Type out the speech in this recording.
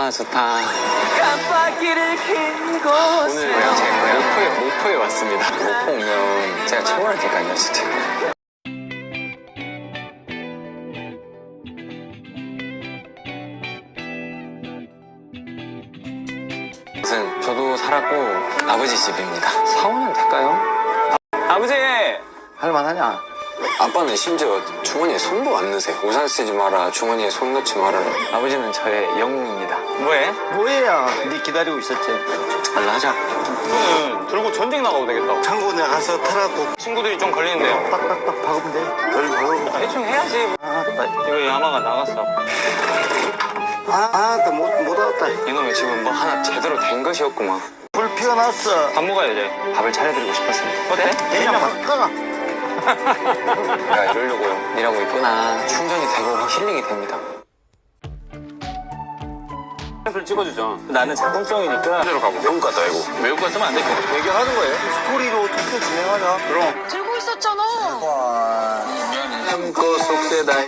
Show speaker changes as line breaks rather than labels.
아, 좋다.
깜빡이를 킨 곳에
오늘 제가 목포에 왔습니다. 목포 오면 제가 최고라니까요, 진짜. 무슨 저도 살았고 아버지 집입니다. 사오면 될까요? 아버지! 할만하냐?
아빠는 심지어 주머니에 손도 안 넣으세요. 우산 쓰지 마라, 주머니에 손 넣지 말아라.
아버지는 저의 영웅입니다. 뭐해?
뭐예요? 네 기다리고 있었지.
잘라 하자. 이거는 들고 전쟁 나가도 되겠다.
창고 나가서 타라고
친구들이 좀 걸리는데요.
빡빡빡 박으면 돼. 별 박으면.
대충 해야지. 이거 야마가 나갔어.
못 왔다.
이놈의 집은 뭐 하나 제대로 된 것이 없구만.
불 피어났어.
밥 먹어야지. 밥을 차려드리고 싶었습니다. 어때?
그냥 바꿔라.
내가 이러려고요. 일하고 있구나. 충전이 되고 힐링이 됩니다. 을 찍어주죠.
나는 작품성이니까.
그대로 가고. 외국 갔다 외국. 외국 갔으면 안 돼.
얘기하는 거예요. 스토리로 어떻게 진행하냐?
그럼.
들고 있었잖아.
와.
그 속세다.